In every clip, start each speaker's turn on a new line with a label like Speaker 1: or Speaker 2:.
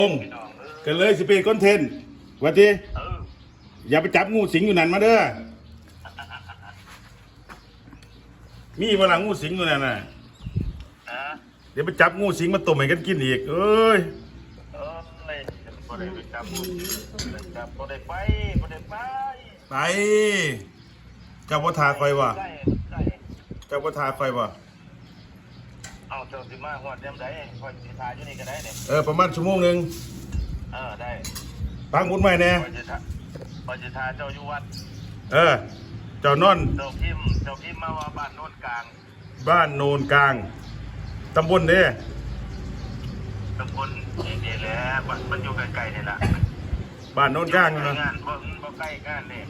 Speaker 1: งก็เลยสิเป็นคอนเทนต์ว่าทีอย่าไปจับงูสิงอยู่นั่นมาเด้อมีเวลางูสิงอยู่นั่นน่ะเดี๋ยวไปจับงูสิงมาต้มให้กันกินอีกเอ้ย
Speaker 2: บ่ได้ไปจับบ่ได้ไป
Speaker 1: ไปเจ้าพ่อทาคอยว่ะเจ้าพ่อทาคอยว่ะ
Speaker 2: เอาเจ้าสิมาฮอดยามใดคอยสิทาอยู่นี่ก็ได้เนี่ย
Speaker 1: ประมาณชั่วโมงนึง
Speaker 2: ได้
Speaker 1: ปังบุญใหม่แน่
Speaker 2: คอยสิทาเจ้าอยู่วัด
Speaker 1: เจ้านอน
Speaker 2: เจ้าพิมพ์มาว่าบ้านโนนกลาง
Speaker 1: บ้านโนนกลางตำบลเด้
Speaker 2: ตำบลนี่แหละมันอยู่ใกล้ๆนี่ล่ะ
Speaker 1: บ้านโนนกลางนะ
Speaker 2: งานบ่ใกล้งานนี่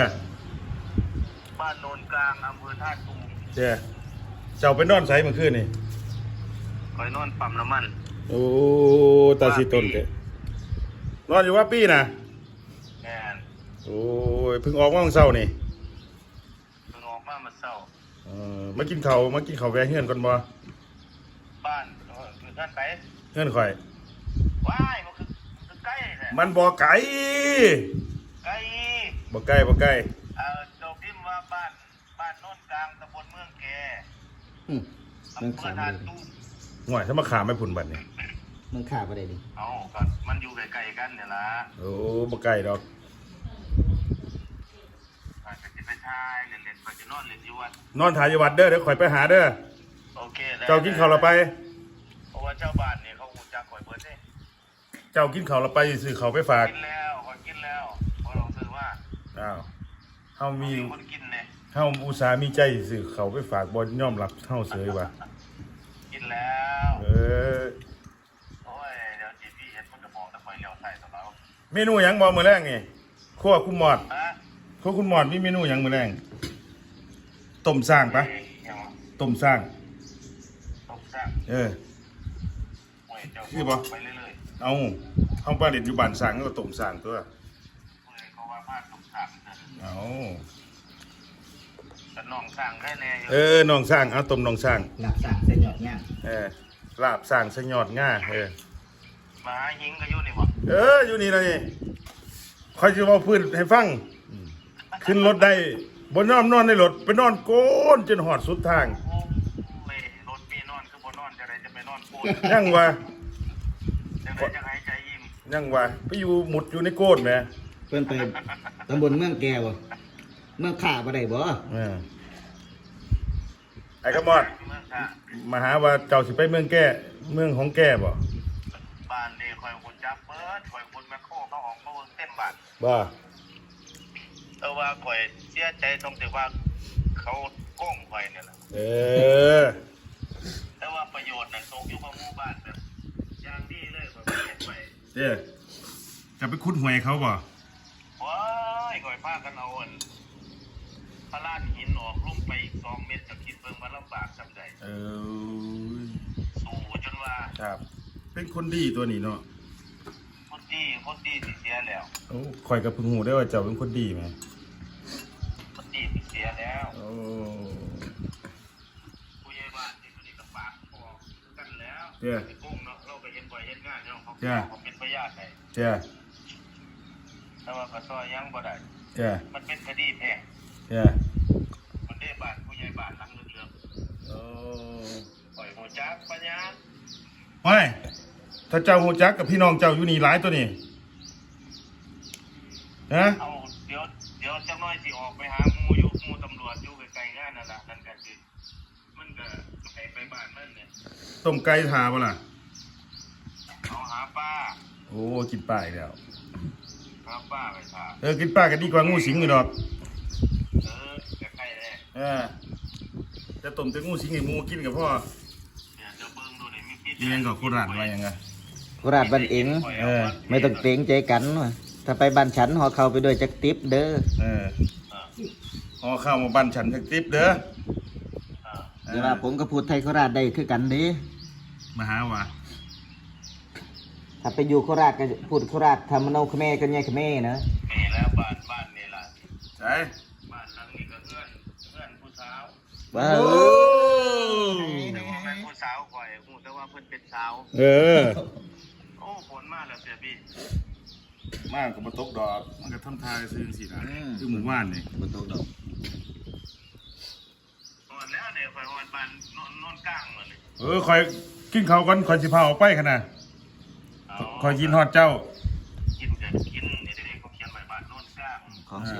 Speaker 2: บ้านโนนกลางอำเภอท่าตูม
Speaker 1: เจ้าไปนอนไสเมื่อคืนนี่
Speaker 2: คอยนอนปั๊มน้ำมัน
Speaker 1: โอ้ตาสีต้นเด้นอนอยู่ว่าปีน่ะโอ้ยเพิ่งออกมาเมื่อเช้านี่
Speaker 2: เพิ่งออกมาเมื่อเช้า
Speaker 1: มากินข้าวแวะเฮือนก่อนบ่
Speaker 2: บ้านคือท่านไป
Speaker 1: เฮือนข่อย
Speaker 2: ว้ายมันคือใกล้แท้
Speaker 1: มันบ่ไกล
Speaker 2: ใกล้
Speaker 1: บ่ใกล้
Speaker 2: เจ้าพิมพ์ว่าบ้านโนนกลางตำบลเมืองแก
Speaker 3: เมืองขาบ่ได้
Speaker 1: ห่วยถ้ามาขาไม่ผุนบัดนี่
Speaker 3: เมืองขาบ่ได้ดิ
Speaker 2: ก็มันอยู่ใกล้ๆกันเนี่ยล่ะ
Speaker 1: โอ้บ่ใกล้ดอก
Speaker 2: อาจจะไปทายเล่นๆไปจะนอนเล่นอยู่วัด
Speaker 1: นอนถ่ายอยู่วัดเด้อเดี๋ยวข่อยไปหาเด้อ
Speaker 2: โอเคแล้ว
Speaker 1: เจ้ากินข้าวเราไป
Speaker 2: เพราะว่าเจ้าบ้านเนี่ยเขาฮู้จักข่อยเบิดเด้
Speaker 1: เจ้ากินข้าวเราไปซื้อข้าวไปฝาก
Speaker 2: กินแล้วข่อยกินแล้วบ่ต้องซื้อว่า
Speaker 1: เฮามี
Speaker 2: คนกินเนี่ย
Speaker 1: เฮาอุตส่าห์มีใจซื้อข้าวไปฝากบ่ยอมรับเฮาเสยว่ะ
Speaker 2: กินแล้วโอ้ยเดี๋ยวจีพี่เฮ็ดมันก็บอกแต่ข่อยเลี้ยวใส่ตลอด
Speaker 1: เมนูหยังบ่มื้อแรงนี่ครัวคุณหมอดคุณหมอดมีเมนูหยังมื้อแรงต้มสร้างปะต้มสร้างคือบ่
Speaker 2: ไปเรื่อย
Speaker 1: ๆเอาเฮาบ้านเด็ดอยู่บ้านสร้างก็ต้มสร้างตัว
Speaker 2: เขาว่าบ้านต้มสร้าง
Speaker 1: เอา
Speaker 2: แต่น้องสร้างแค่แน่
Speaker 1: น้องสร้างเอาต้มน้องสร้าง
Speaker 3: ลาบสร้างเส้นหยอดง่า
Speaker 1: ลาบสร้างเส้นหยอดง่า
Speaker 2: มาหาหิงก็อยู่นี่บ่
Speaker 1: อยู่นี่เลยคอยจะเอาพื้นให้ฟังขึ้นรถได้บนนอนในรถไปนอนโกนจนหอดสุดทาง
Speaker 2: รถมีนอนคือบ่นอนจะได้จะไปนอนโกน
Speaker 1: ยังวะ
Speaker 2: จะหายใจยิ้ม
Speaker 1: ยังวะไปอยู่หมุดอยู่ในโกนแหม
Speaker 3: เพิ่นไปตำบลเมืองแกบ่เมืองขาบ่ได้บ่
Speaker 1: ไอ้กระมอดมาหาว่าเจ้าสิไปเมืองแก่เมืองของแก่บ่
Speaker 2: บ้านนี่คอยคนจับเปิดคอยคนแมคโครเขาออกมาเบิ่งเต็มบ้าน
Speaker 1: บ่
Speaker 2: แต่ว่าคอยเสียใจตรงที่ว่าเขาโกงคอยนี่แหละแต่ว่าประโยชน์น่ะตกอยู่กับหมู่บ้านแบบอย่างดีเลยคอยเฮ็ดไป
Speaker 1: จะไปขุดหวยเขาบ่
Speaker 2: ว้ายคอยพากันเอาพระลานหินออกลงไปอีก2 เมตรจะคิดเบิ่งว่าลำบากซำใดสู้จนว่า
Speaker 1: ครับเป็นคนดีตัวนี้เนาะ
Speaker 2: คนดีสิเสียแล้ว
Speaker 1: ข่อยกับพึ่งหูได้ว่าเจ้าเป็นคนดีไหม
Speaker 2: คนดีสิเสียแล้วผู้ใหญ่บ้านที่คนนี้ก็ปากพอกันแล้วไอ้กุ้งเนาะเราก็เห็นบ่อยเห็นงานเนาะเขาเป็นพยานให้แต่ว่าก็ซอยยังบ่ได้มันเป็นคดีแพ่งมันได้บ้านผู้ใหญ่บ้านหลังเรื่องปล่อยหัวจักปัญญา
Speaker 1: ไม่ถ้าเจ้าหูจักกับพี่น้องเจ้าอยู่นี่หลายตัวนี่
Speaker 2: เอาเดี๋ยวจักน้อยสิออกไปหาหมู่ตำรวจอยู่ไกลๆงานนั่นล่ะนั่นก็คือมันก็ไปบ้านมันเนี่ย
Speaker 1: ต้มไก่ทาบ่ล่ะ
Speaker 2: เอาหาป้า
Speaker 1: กินป้าอีกแล้ว
Speaker 2: หาป้าไปทา
Speaker 1: กินป้าก็ดีกว่างูสิงอยู่ดอก
Speaker 2: ใกล้ๆเลย
Speaker 1: จะต้มแต่งูสิงให้หมูกินกับพ่อ
Speaker 2: จะเบิ่งดูนี่มี
Speaker 1: ยังก็โคราชว่ายังไง
Speaker 3: โคราชบ้านเองไม่ต้องเกรงใจกันถ้าไปบ้านฉันห่อเข้าไปด้วยจักติ๊บเด้อ
Speaker 1: ห่อเข้ามาบ้านฉันจักติ๊บเด้อ
Speaker 3: เดี๋ยวผมก็พูดไทยโคราชได้คือกันดิ
Speaker 1: มาหาว่า
Speaker 3: ถ้าไปอยู่โคราชก็พูดโคราชทำมโนเขมรกันไงเขมรนะ
Speaker 2: นี่แล้วบ้านนี่ล่ะ
Speaker 1: ใช่
Speaker 2: บ้านหลังนี้ก็เพื่อนผู้สาว
Speaker 3: แต่ว่า
Speaker 2: เป็นผู้สาวข่อยฮู้แต่ว่าเพิ่นเป็นสาว
Speaker 1: โอ้ผลมาแล้วเสีย
Speaker 2: พี่
Speaker 1: มากก็บ่ตกดอกมันก็ทำทายซื่อสินะคือหมู่บ้านนี่
Speaker 3: บ่ตกดอก
Speaker 2: หอดแล้วเนี่ยคอยหอดบ้านนอนกลางเลย
Speaker 1: คอยกินข้าวก่อนคอยสิพาออกไปคั่นน่ะคอยกินฮอดเจ้า
Speaker 2: กินกันกินนี่เด็กเขาเขียนไว้บ้านนอนกลาง
Speaker 3: ของเสีย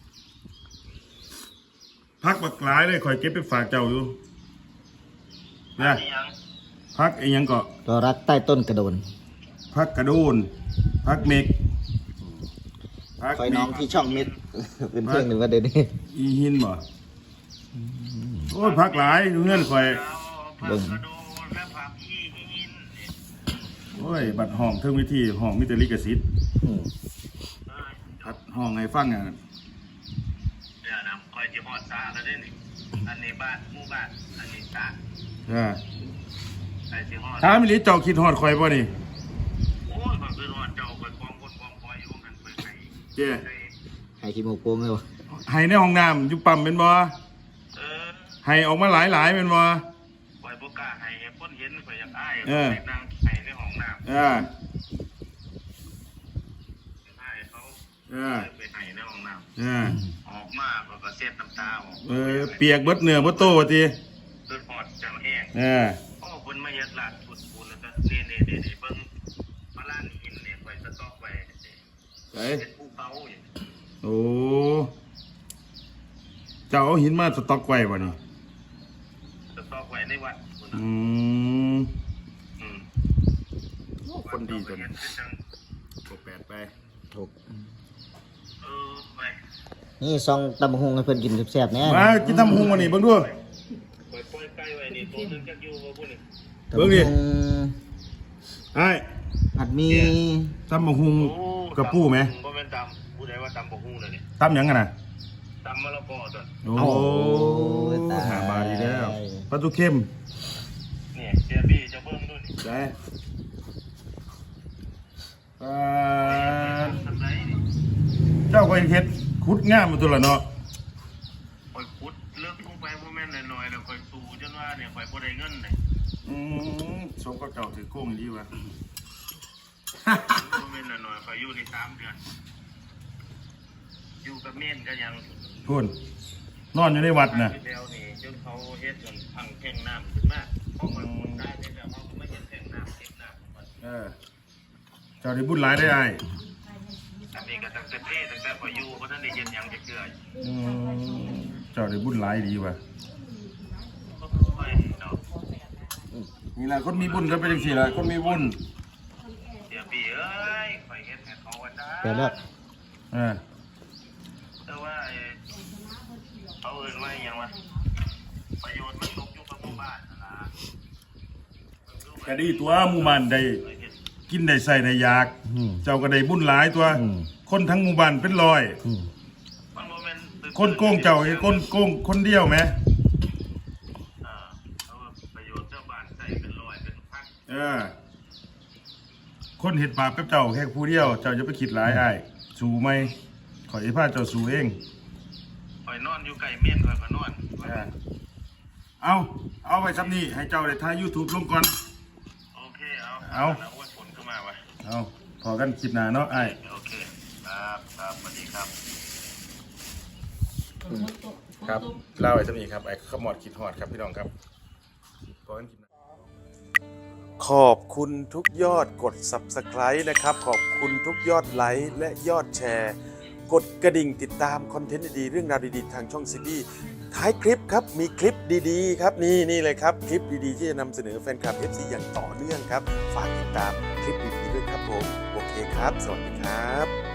Speaker 1: พักบักหลายเลยคอยเก็บไปฝากเจ้าอยู่นะ
Speaker 2: นี่ยัง
Speaker 1: พักอีหยังก็
Speaker 3: ตัวรักใต้ต้นกระโดน
Speaker 1: พักกระโดนพักเมกพัก
Speaker 3: คอยน้องที่ช่องมิด เป็นเพื่อนหนึ่งว่าเดี๋ยวนี้
Speaker 1: อีหินบ่โอ้ยพักหลายอยู่เงื่อนคอย
Speaker 2: ผักกระโดนและผักอีหิน
Speaker 1: โอ้ยบัดห้องเทิงวิธีห้องมิตรลิขสิทธิ์
Speaker 3: อืม
Speaker 1: พัดห้องให้ฟังอ่ะ
Speaker 2: เนี่ยนะคอยจะหอดซาแล้วได้นี่อันนี้บ้านหมู่บ้านอันนี้ซา ใส่สิหอด
Speaker 1: ถามอีหลีเจ้าคิดฮอดคอยบ่นี่
Speaker 2: โอ้ยมันคือหอดเจ้าคอยกองคนกองคอยอยู่กันไปไหน
Speaker 1: เจ้
Speaker 3: ให้ขี้หมูกโปงเลยวะ
Speaker 1: ให้ในห้องน้ำอยู่ปั๊มเป็นบ่
Speaker 2: เออ
Speaker 1: ให้ออกมาหลายเป็นบ่
Speaker 2: คอยบ่กล้าให้คนเห็นคอยอยากอ้าย
Speaker 1: เออ
Speaker 2: ไปนั่งให้ในห้องน้ำ
Speaker 1: อ่า
Speaker 2: อ้ายเขา ไปให้ในห้องน้ำ
Speaker 1: อ่า
Speaker 2: ออกมาก็เสียดน้ำตาออก
Speaker 1: เปียกเบิดเนื้อเบิดโตว่าติ
Speaker 2: คือหอดจังแห้ง โอ้คนมาเฮ็ดลาดฝุ่นๆแล้วก็นี่เบิ่งมาล้านหินเนี่ยไว้สต๊อกไว้
Speaker 1: ไป
Speaker 2: เป็นภูเขาอย่าง
Speaker 1: โอ้เจ้าเอาหินมาสต็อกไว้บ่นี่
Speaker 2: สต๊อกไว้ในวัดพุ่นน่ะ
Speaker 1: อืม
Speaker 2: อืม
Speaker 1: คนดีจน
Speaker 2: เห็นเป็นจัง
Speaker 1: บ่แปดไป
Speaker 3: ถูก
Speaker 2: ไป
Speaker 3: นี่ซองตำบักหงให้เพิ่นกินแซ่บๆแน่
Speaker 1: มากินทำหุงวันนี้เบิ่งดู
Speaker 2: ปล่อยไก่ไว้นี่ตัวนึงจักอยู่บ่พุ่นนี่
Speaker 1: เบิ่งดิ
Speaker 3: ตำบักหุ่ง
Speaker 1: ไอ้
Speaker 3: ผัดหมี
Speaker 1: ทำหุงกับปูไหม
Speaker 2: บ่แม่นตำผู้ใดว่าตำบ่ฮู้เลยนี่
Speaker 1: ตำหยังกันน่ะ
Speaker 2: ตำมะละกอตัว
Speaker 1: โอ้
Speaker 3: ยตาย
Speaker 1: หาบาดีแล้วปลาทูเข้ม
Speaker 2: นี่เสียบี้จะเบิ่งดูนี่
Speaker 1: ได้
Speaker 2: ทำไรนี่
Speaker 1: เจ้าก็เฮ็ดขุดงามมาตัวละเนาะ
Speaker 2: ข่อยขุดเลิกลงไปบ่แม่นน้อยๆแล้วข่อยสู้จนว่าเนี่ยข่อยบ่ได้เงินนี่
Speaker 1: สมกับเจ้าถือโค้งดีวะ
Speaker 2: บ่แม่นน้อยๆข่อยอยู่ใน3เดือนอยู่กับเม่นก็ยัง
Speaker 1: พูนนอนอยู่ในวัดน่ะ
Speaker 2: เดียวนี่จนเขาเฮ็ดจนพังแท่งน้ำขึ้นมาเพราะมันขุดได้แต่เขาก็ไม่เห็นแท่งน้ำเก็บน้ำของมัน
Speaker 1: เจ้าได้บุญหลายได้ไอ้
Speaker 2: อันนี้ก็ตั้งแต่ตั้งแต่ข่อยอยู่บ่ทันได้เฮ็ดหยังจักเทื่อ
Speaker 1: เจ้าได้บุญหลายดีวะ
Speaker 2: ค่อยเนาะ
Speaker 1: นี่แหละคนมีบุญก็เป็นจังซี่ล่ะคนมีบุญ
Speaker 2: เดี๋ยวพี่เอ้ยข่อยเฮ็ดให้เขาว่าได้
Speaker 3: แซ่บแล้ว
Speaker 2: แต่ว่าเขาเอิ้นว่าหยังวะประโยชน์มันตกอยู่กับหมู่บ้านนั่นล่ะ
Speaker 1: ก็ดีตัวหมู่บ้านได้
Speaker 2: ข่อยเฮ็ด
Speaker 1: กินได้ใส่ได้อยาก เจ้าก็ได้บุญหลายตัว คนทั้งหมู่บ้านเป็นร้อย
Speaker 2: มันบ่แม่น
Speaker 1: คนโกงเจ้าไอ้คนโกงคนเดียวไหม
Speaker 2: เอาประโยชน์เจ้าบ้านใส่เป็นร้อยเป็นพัน
Speaker 1: คนเห็ดบาปกับเจ้าแค่ผู้เดียว เจ้าจะไปคิดหลายอ้ายสู้ไหมขอให้พาเจ้าสู้เอง
Speaker 2: ข่อยนอนอยู่ใกล้เม่นข่อยก็นอน
Speaker 1: เอาไว้ซับนี้ให้เจ้าได้ถ่าย YouTube ลงก่อน
Speaker 2: โอเคเอา
Speaker 1: เอา
Speaker 2: แล้วว่าฝนก็มาวะ
Speaker 1: เอาพอกันคลิปหน้าเนาะอ้าย
Speaker 2: โอเคครับครับสวัสดีครับ
Speaker 1: ครับเล่าไว้ซับนี้ครับไอ้ขมอดคิดฮอดครับพี่น้องครับพอกันคลิปหน้าขอบคุณทุกยอดกด Subscribe นะครับ ขอบคุณทุกยอดไลค์และยอดแชร์ กดกระดิ่งติดตามคอนเทนต์ดีๆเรื่องราวดีๆทางช่องซีบีท้ายคลิปครับมีคลิปดีๆครับนี่เลยครับคลิปดีๆที่จะนำเสนอแฟนคลับ FC อย่างต่อเนื่องครับฝากติดตามคลิปดีๆด้วยครับผมโอเคครับสวัสดีครับ